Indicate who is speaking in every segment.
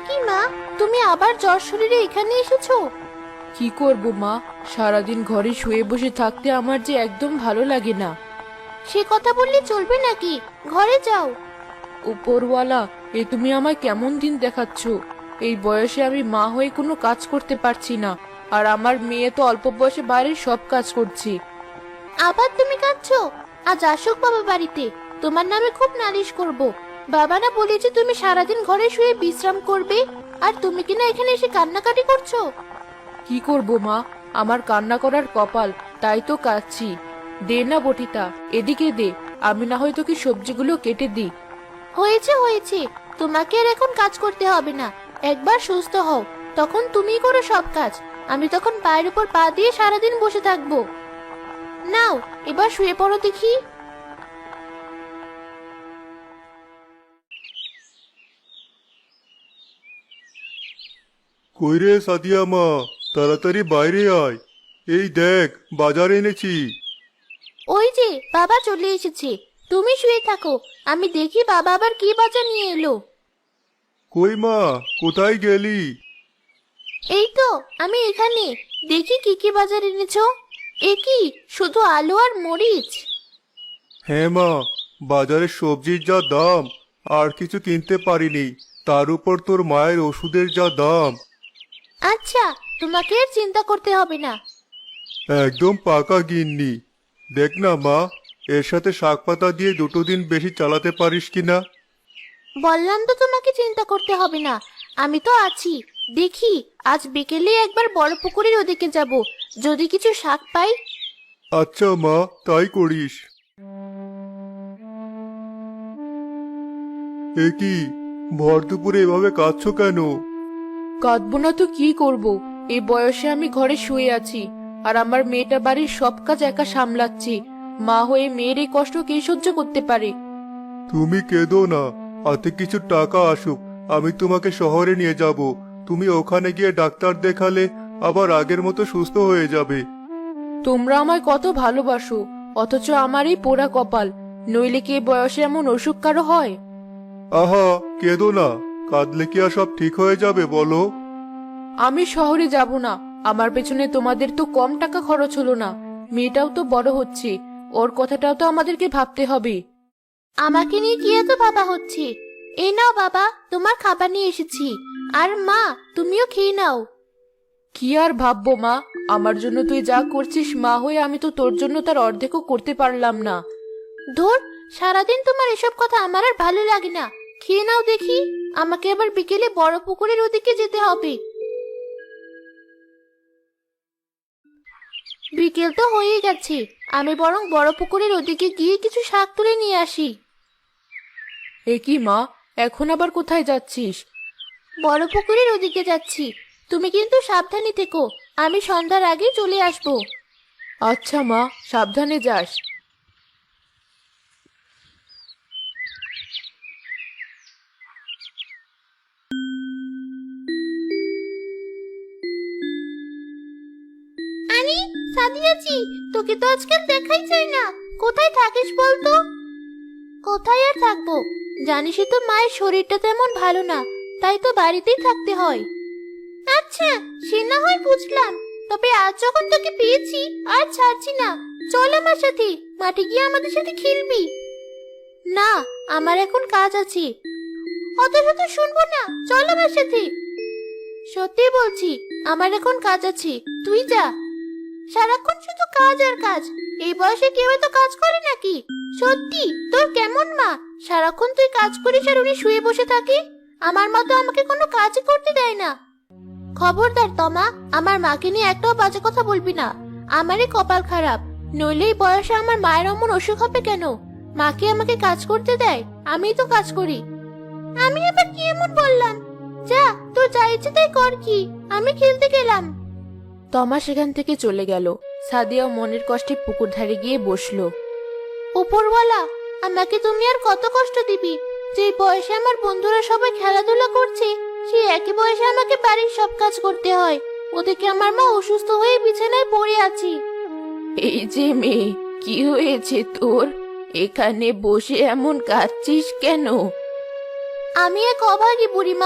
Speaker 1: কি মা, তুমি আবার জ্বর শরীরে এখানে এসেছো?
Speaker 2: কি করব মা, সারাদিন ঘরে শুয়ে বসে থাকতে আমার যে একদম ভালো লাগে না।
Speaker 1: সে কথা বললে চলবে নাকি? ঘরে যাও।
Speaker 2: উপরওয়ালা, তুমি আমায় কেমন দিন দেখাচ্ছ? এই বয়সে আমি মা হয়ে কোনো কাজ করতে পারছি না, আর আমার মেয়ে তো অল্প বয়সে বাড়ির সব কাজ করছি।
Speaker 1: আবার তুমি কাঁদছো? আজ আসুক বাবা বাড়িতে, তোমার নামে খুব নালিশ করব। বাবা না বলেছে তুমি সারাদিন ঘরে শুয়ে বিশ্রাম করবে, আর তুমি কিনা এখানে এসে কান্নাকাটি করছো।
Speaker 2: কি করব মা, আমার কান্না করার কপাল, তাই তো কাঁদছি। দে না বটিটা, এদিকে দে, আমি না হয় তোকে সবজিগুলো কেটে দিই।
Speaker 1: হয়েছে হয়েছে, তোমাকে আর এখন কাজ করতে হবে না। একবার সুস্থ হও, তখন তুমিই করো সব কাজ। আমি তখন পায়ের উপর পা দিয়ে সারাদিন বসে থাকবো। নাও, এবার শুয়ে পড়ো দেখি।
Speaker 3: কই রে সাদিয়া মা, তাড়াতাড়ি বাইরে আয়। এই দেখ, বাজার এনেছি।
Speaker 1: ওই যে বাবা চলে এসেছে, তুমি শুয়ে থাকো, আমি দেখি বাবা আবার কি বাজার নিয়ে এলো।
Speaker 3: কই মা, কোথায় গেলি?
Speaker 1: এই তো আমি এখানে, দেখি কি কি বাজার এনেছো। এ কি, শুধু আলু আর মরিচ?
Speaker 3: হ্যাঁ মা, বাজারে সবজির যা দাম, আর কিছু কিনতে পারিনি। তার উপর তোর মায়ের ওষুধের যা দাম।
Speaker 1: আচ্ছা, তোমাকে আর চিন্তা করতে হবে না।
Speaker 3: একদম পাকা গিন্নি। দেখ না মা, এর সাথে শাক পাতা দিয়ে 2 দিন বেশি চালাতে পারিস কিনা।
Speaker 1: বললাম তো তোমাকে চিন্তা করতে হবে না, আমি তো আছি। দেখি, আজ বিকেলে একবার বড় পুকুরের ওদিকে যাব, যদি কিছু শাক পাই।
Speaker 3: আচ্ছা মা, তাই করিস। এ কি, ভর দুপুরে এভাবে কাঁদছো কেন?
Speaker 2: কাঁদবো না তো কি করব, এই বয়সে আমি ঘরে শুয়ে আছি, আর আমার মেয়েটা বাড়ির সব কাজ একা সামলাচ্ছি। মা হয়ে মেয়ের এই কষ্ট কে সহ্য করতে পারে?
Speaker 3: তুমি কেঁদো না, হাতে কিছু টাকা আসুক, আমি তোমাকে শহরে নিয়ে যাব। তুমি ওখানে গিয়ে ডাক্তার দেখালে আবার আগের মতো সুস্থ হয়ে যাবে।
Speaker 2: তোমরা আমায় কত ভালোবাসো, অথচ আমার এই পোড়া কপাল। নইলে কি এই বয়সে এমন অসুখ কারো হয়?
Speaker 3: আহা, কেঁদো না, কাঁদলে কি আর সব ঠিক হয়ে যাবে বলো?
Speaker 2: আমি শহরে যাব না, আমার পেছনে তোমাদের তো কম টাকা খরচ হলো না। মেয়েটাও তো বড় হচ্ছে, ওর কথাটাও তো আমাদেরকে ভাবতে হবে।
Speaker 1: আমাকে নিয়ে কি এত ভাবা হচ্ছে? এই নাও বাবা, তোমার খাবার নিয়ে এসেছি। আর মা, তুমিও খেয়ে নাও।
Speaker 2: কি আর ভাববো মা, আমার জন্য তুই যা করছিস মা হয়ে, আমি তো তোর জন্য তার অর্ধেকও করতে পারলাম না।
Speaker 1: ধুর, সারাদিন তোমার এসব কথা আমার আর ভালো লাগে না। খেয়ে নাও দেখি, আমাকে আবার বিকেলে বড় পুকুরের ওদিকে যেতে হবে। বিকেল তো হয়েই গেছে, আমি বরং বড় পুকুরের ওদিকে গিয়ে কিছু শাক তুলে নিয়ে আসি।
Speaker 2: এ কি মা, এখন আবার কোথায় যাচ্ছিস?
Speaker 1: বড় পুকুরের ওদিকে যাচ্ছি, তুমি কিন্তু সাবধানে থেকো, আমি সন্ধ্যার আগে চলে আসবো।
Speaker 2: আচ্ছা মা, সাবধানে যাস।
Speaker 1: আরে সাদিয়াজি, তোকে তো আজকাল দেখাই যায় না, কোথায় থাকিস বলতো? কোথায় আর থাকবো, জানিসই তো মায়ের শরীরটা তেমন ভালো না, তাই তো বাড়িতেই থাকতে হয়। আচ্ছা, সে না হয় বুঝলাম, তবে আজ যখন তোকে পেয়েছি আর ছাড়ছি না। চল আমার সাথে, মাঠে গিয়ে আমাদের সাথে খেলবি। না, আমার এখন কাজ আছে। অত শত শুনবো না, চল আমার সাথে। সত্যি বলছি, আমার এখন কাজ আছে, তুই যা। সারাক্ষণ শুধু কাজ আর কাজ, এই বয়সে কেউ এত কাজ করে নাকি? সত্যি, তোর কেমন মা, সারাক্ষণ তুই কাজ করিস আর উনি শুয়ে বসে থাকে? আমার মা তো আমাকে কোনো কাজই করতে দেয় না। খবরদার তমা, আমার মাকে নিয়ে একটাও বাজে কথা বলবি না। আমারই কপাল খারাপ, নইলে এই বয়সে আমার মায়ের অমন অসুখ হবে কেন? মাকে আমাকে কাজ করতে দেয়, আমিই তো কাজ করি। আমি আবার কি এমন বললাম? যা, তোর যা ইচ্ছে তাই কর, কি আমি খেলতে গেলাম।
Speaker 2: তমা সেখান থেকে চলে গেল। সাদিয়া মনের কষ্টে পুকুর ধারে গিয়ে বসলো।
Speaker 1: উপরওয়ালা, আমাকে তুমি আর কত কষ্ট দিবি? যে বয়সে আমার বন্ধুরা সবাই খেলাধুলা করছে, সেই একই বয়সে আমাকে বাড়ির সব কাজ করতে হয়। ওদিকে আমার মা অসুস্থ হয়ে বিছানায় পড়ে আছি।
Speaker 2: এই যে মেয়ে, কি হয়েছে তোর? এখানে বসে এমন কাঁদছিস কেন?
Speaker 1: আমি এক অভাগী বুড়িমা,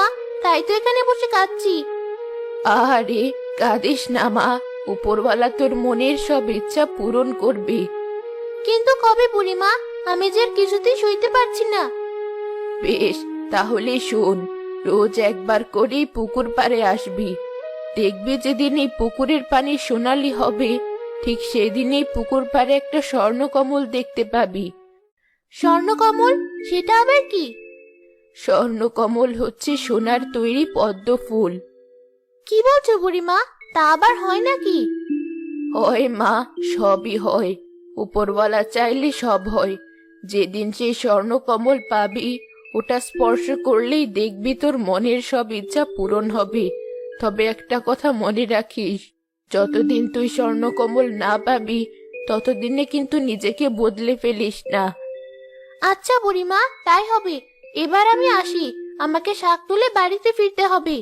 Speaker 1: তাই তো এখানে বসে কাঁদছি।
Speaker 2: আরে কাঁদিস না মা, উপরওয়ালা তোর মনের সব ইচ্ছা পূরণ করবে।
Speaker 1: কিন্তু কবে বুড়িমা? আমি যে আর কিছুতেই সইতে পারছি না।
Speaker 2: বেশ, তাহলে শোন, রোজ একবার করেই পুকুর পাড়ে আসবি। দেখবি যেদিন এই পুকুরের পানি সোনালি হবে, ঠিক সেদিনই পুকুর পাড়ে একটা স্বর্ণকমল দেখতে পাবি।
Speaker 1: স্বর্ণকমল? সেটা আবার কি?
Speaker 2: স্বর্ণকমল হচ্ছে সোনার তৈরি পদ্ম ফুল।
Speaker 1: কি বলছো বুড়িমা? তা আবার হয় নাকি?
Speaker 2: হয় মা, সবই হয়। উপরওয়ালা চাইলে সব হয়। যেদিন সেই স্বর্ণকমল পাবি, ওটা স্পর্শ করলেই দেখবি তোর মনের সব ইচ্ছা পূরণ হবে। তবে একটা কথা মনে রাখিস, যতদিন তুই স্বর্ণকমল না পাবি, ততদিনে কিন্তু নিজেকে বদলে ফেলিস না।
Speaker 1: আচ্ছা বুড়িমা, তাই হবে। এবার আমি আসি, আমাকে শাক তুলে বাড়িতে ফিরতে হবে।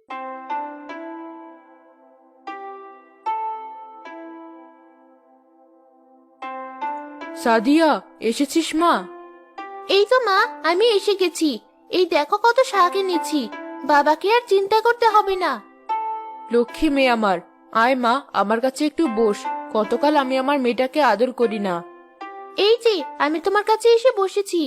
Speaker 2: সাদিয়া, এসেছিস মা?
Speaker 1: এই তো মা, আমি এসে গেছি। এই দেখো কত শাক এনেছি। বাবাকে আর চিন্তা করতে হবে না।
Speaker 2: লক্ষ্মী মেয়ে আমার, আয় মা, আমার কাছে একটু বস। কতকাল আমি আমার মেয়েটাকে আদর করি না।
Speaker 1: এই যে আমি তোমার কাছে এসে বসেছি।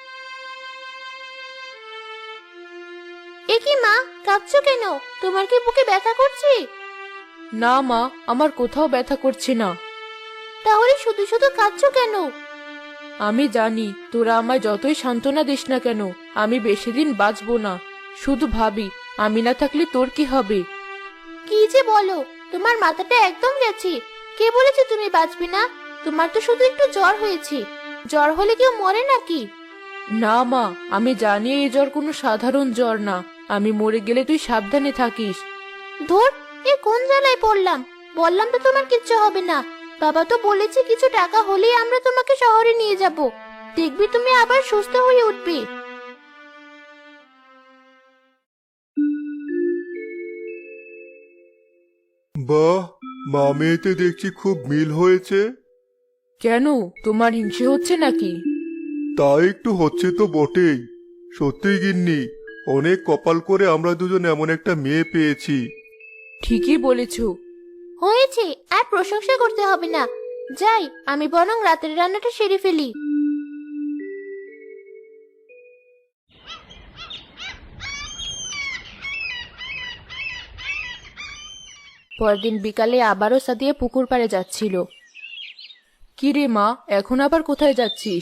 Speaker 1: এ কি মা, কাঁদছো কেন? তোমার কি বুকে ব্যথা করছে?
Speaker 2: না মা, আমার কোথাও ব্যথা করছে না।
Speaker 1: তাহলে শুধু শুধু কাঁদছো কেন?
Speaker 2: আমি জানি তোরা আমায় যতই সান্ত্বনা দিস না কেন, আমি বেশি দিন বাঁচবো না। শুধু ভাবি, আমি না থাকলে তোর কি হবে।
Speaker 1: কি যে বলো, তোমার মাথাটা একদম গেছে। কে বলেছে তুমি বাঁচবে না? তোমার তো শুধু একটু জ্বর হয়েছে। জ্বর হলে কেউ মরে নাকি?
Speaker 2: না মা, আমি জানি এই জ্বর কোনো সাধারণ জ্বর না। আমি মরে গেলে তুই সাবধানে থাকিস।
Speaker 1: ধুর, এ কোন জ্বালায় পড়লাম? বললাম তো তোমার কিচ্ছু হবে না। বাবা তো বলেছে কিছু টাকা হলেই আমরা তোমাকে শহরে নিয়ে যাব। দেখবি তুমি আবার সুস্থ হয়ে উঠবে।
Speaker 3: বাহ, মা মেয়েতে দেখছি খুব মিল হয়েছে।
Speaker 2: কেন, তোমার হিংসে হচ্ছে নাকি?
Speaker 3: তা একটু হচ্ছে তো বটেই। সত্যি গিন্নি, অনেক কপাল করে আমরা দুজন এমন একটা মেয়ে পেয়েছি।
Speaker 2: ঠিকই বলেছো।
Speaker 1: হয়েছে, আর প্রশংসা করতে হবে না। যাই, আমি বরং রাতের রান্নাটা সেরে ফেলি।
Speaker 2: পরদিন বিকালে আবারও সাদিয়া পুকুর পাড়ে যাচ্ছিল। কি রে মা, এখন আবার কোথায় যাচ্ছিস?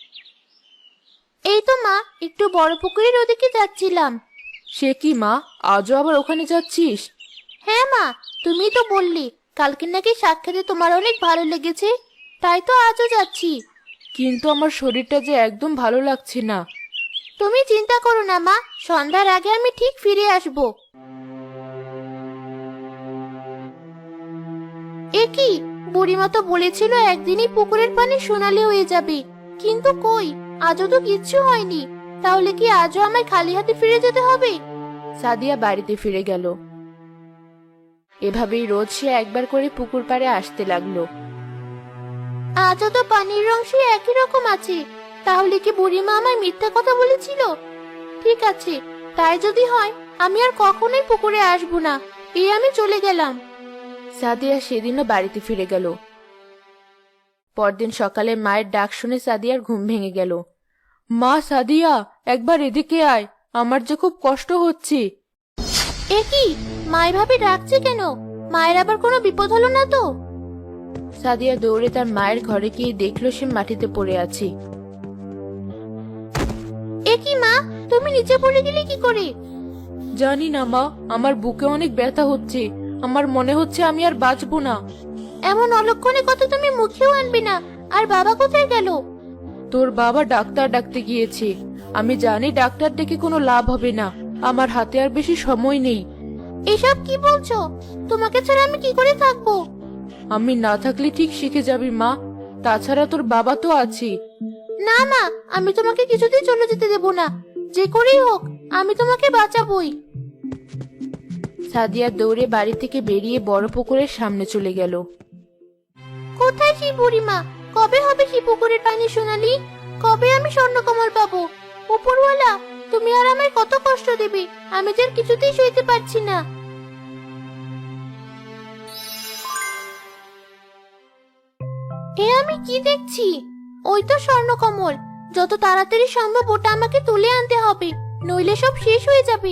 Speaker 1: এই তো মা, একটু বড় পুকুরের ওদিকে যাচ্ছিলাম।
Speaker 2: সে কি মা, আজও আবার ওখানে যাচ্ছিস?
Speaker 1: হ্যাঁ মা, তুমি তো বললি কালকে নাকি শাক খেতে তোমার অনেক ভালো লেগেছে, তাই তো আজও যাচ্ছি।
Speaker 2: কিন্তু আমার শরীরটা যে একদম ভালো লাগছে না।
Speaker 1: তুমি চিন্তা করো না মা, সন্ধ্যার আগে আমি ঠিক ফিরে আসব। এ কি, বুড়িমা তো বলেছিল একদিনই পুকুরের পানি সোনালি হয়ে যাবে, কিন্তু কই, আজও তো কিচ্ছু হয়নি। তাহলে কি আজও আমায় খালি হাতে ফিরে যেতে হবে?
Speaker 2: সাদিয়া বাড়িতে ফিরে গেল। এভাবেই রোজ সে একবার করে পুকুর পাড়ে আসতে লাগলো।
Speaker 1: আজও তো পানির রং সে একই রকম আছে। তাহলে কি বুড়িমা আমায় মিথ্যা কথা বলেছিল? ঠিক আছে, তাই যদি হয় আমি আর কখনোই পুকুরে আসবো না। এই আমি চলে গেলাম।
Speaker 2: সাদিয়া সেদিনও বাড়িতে ফিরে গেল। পরদিন সকালে মায়ের ডাক শুনে সাদিয়ার ঘুম ভেঙে গেল। মা, সাদিয়া, একবার এদিকে আয়, আমার যে খুব কষ্ট হচ্ছে।
Speaker 1: এ কি, মা এভাবে ডাকছে কেন? মায়ের আবার কোনো বিপদ হলো না তো?
Speaker 2: সাদিয়া দৌড়ে তার মায়ের ঘরে গিয়ে দেখলো সে মাটিতে পড়ে আছে।
Speaker 1: এ কি মা, তুমি নিচে পড়ে গেলে কি করে?
Speaker 2: জানি না মা, আমার বুকে অনেক ব্যথা হচ্ছে। আমার মনে হচ্ছে আমি আর বাঁচবো না।
Speaker 1: এমন অলক্ষণে কথা তুমি মুখেও আনবে না। আর বাবা কোথায় গেল?
Speaker 2: তোর বাবা ডাক্তার ডাকতে গিয়েছে। আমি জানি ডাক্তার ডেকে কোনো লাভ হবে না। আমার হাতে আর বেশি সময় নেই।
Speaker 1: এসব কি বলছো? তোমাকে ছাড়া আমি কি করে থাকবো?
Speaker 2: আমি না থাকলে ঠিক শিখে যাবি মা। তাছাড়া তোর বাবা তো আছে।
Speaker 1: না মা, আমি তোমাকে কিছুতেই চলে যেতে দেব না। যে করেই হোক আমি তোমাকে বাঁচাবই।
Speaker 2: সাদিয়া দৌড়ে বাড়ি থেকে বেরিয়ে বড় পুকুরের সামনে চলে গেল।
Speaker 1: কোথায় সেই বুড়িমা? কবে হবে সেই পুকুরের পানি সোনালি? কবে আমি স্বর্ণকমল পাবো? উপরওয়ালা, তুমি আর আমায় কত কষ্ট দেবে, আমি যে আর কিছুতেই সইতে পারছি না। এ আমি কি দেখছি? ওই তো স্বর্ণকমল। যত তাড়াতাড়ি সম্ভব ওটা আমাকে তুলে আনতে হবে, নইলে সব শেষ হয়ে যাবে।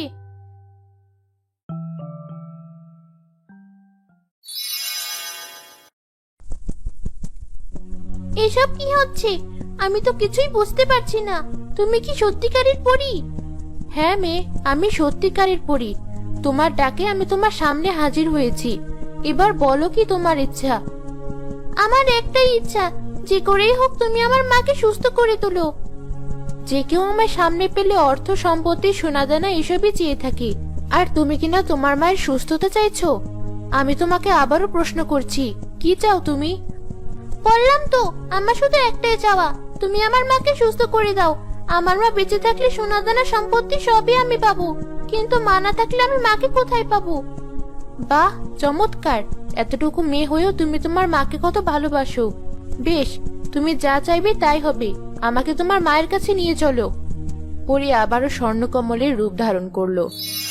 Speaker 1: এসব কি হচ্ছে? আমি তো কিছুই বুঝতে পারছি না। তুমি কি সত্যিকারের পরী? হ্যাঁ মেয়ে, আমি সত্যিকারের পরী। তোমার ডাকে আমি তোমার সামনে হাজির হয়েছি। এবার বলো কি তোমার ইচ্ছা? আমার একটাই ইচ্ছা, যে করেই হোক তুমি আমার মাকে সুস্থ করে তোলো। যে কেউ আমার সামনে পেলে অর্থ, সম্পত্তি, সোনাদানা এসবই চেয়ে থাকে। আর তুমি কিনা তোমার মায়ের সুস্থতা চাইছো? আমি তোমাকে আবারও প্রশ্ন করছি, কি চাও তুমি? বললাম তো, আমার শুধু একটাই চাওয়া, তুমি আমার মাকে সুস্থ করে দাও। আমার মা বেঁচে থাকলে সোনাদানা, সম্পত্তি সবই আমি পাবো, কিন্তু মা না থাকলে আমি মাকে কোথায় পাবো? বাহ, চমৎকার! এতটুকু মেয়ে হয়েও তুমি তোমার মাকে কত ভালোবাসো। বেশ, তুমি যা চাইবে তাই হবে। আমাকে তোমার মায়ের কাছে নিয়ে চলো। পরি আবারও স্বর্ণকমলের রূপ ধারণ করলো।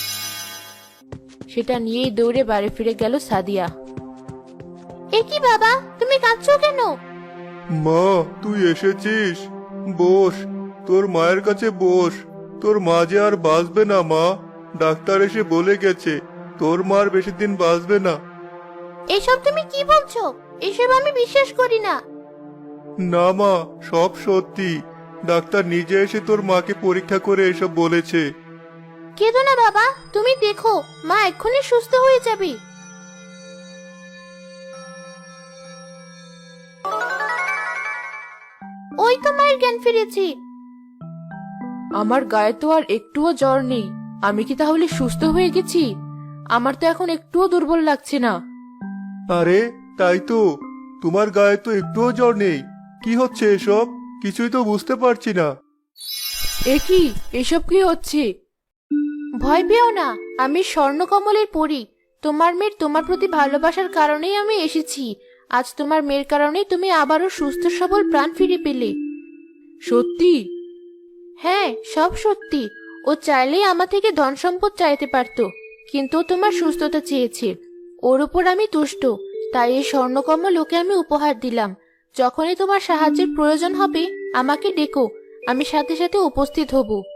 Speaker 1: সেটা নিয়েই দৌড়ে বাড়ি ফিরে গেল সাদিয়া। এ কি বাবা, তুমি কাঁদছো কেন?
Speaker 3: মা, তুই এসেছিস? বস, তোর মায়ের কাছে বস। তোর মা যে আর বাঁচবে না মা। ডাক্তার এসে বলে গেছে তোর মার বেশি দিন বাঁচবে না।
Speaker 1: এসব তুমি কি বলছো? এসব আমি বিশ্বাস করি না।
Speaker 3: না মা, সব সত্যি। ডাক্তার নিজে এসে তোর মাকে পরীক্ষা করে এসব বলেছে।
Speaker 1: কেঁদো না বাবা, তুমি দেখো মা এক্ষুনি সুস্থ হয়ে যাবে। ওই তো মায়ের জ্ঞান ফিরেছে।
Speaker 2: আমার গায়ে তো আর একটুও জ্বর নেই। আমি কি তাহলে সুস্থ হয়ে গেছি? আমার তো এখন একটুও দুর্বল লাগছে না।
Speaker 3: আরে তাই তো, তোমার গায়ে তো একটুও জ্বর নেই। কি হচ্ছে এসব? কিছুই তো বুঝতে পারছি না।
Speaker 2: এ কি, এসব কি হচ্ছে?
Speaker 1: ভয় পেও না, আমি স্বর্ণকমলের পরী। তোমার মেয়ের তোমার প্রতি ভালোবাসার কারণেই আমি এসেছি। আজ তোমার মেয়ের কারণেই তুমি আবারও সুস্থ সবল প্রাণ ফিরে পেলে।
Speaker 2: সত্যি?
Speaker 1: হ্যাঁ, সব সত্যি। ও চাইলেই আমার থেকে ধন সম্পদ চাইতে পারতো, কিন্তু ও তোমার সুস্থতা চেয়েছে। ওর উপর আমি তুষ্ট, তাই এই স্বর্ণকমল ওকে আমি উপহার দিলাম। যখনই তোমার সাহায্যের প্রয়োজন হবে আমাকে ডেকো, আমি সাথে সাথে উপস্থিত হব।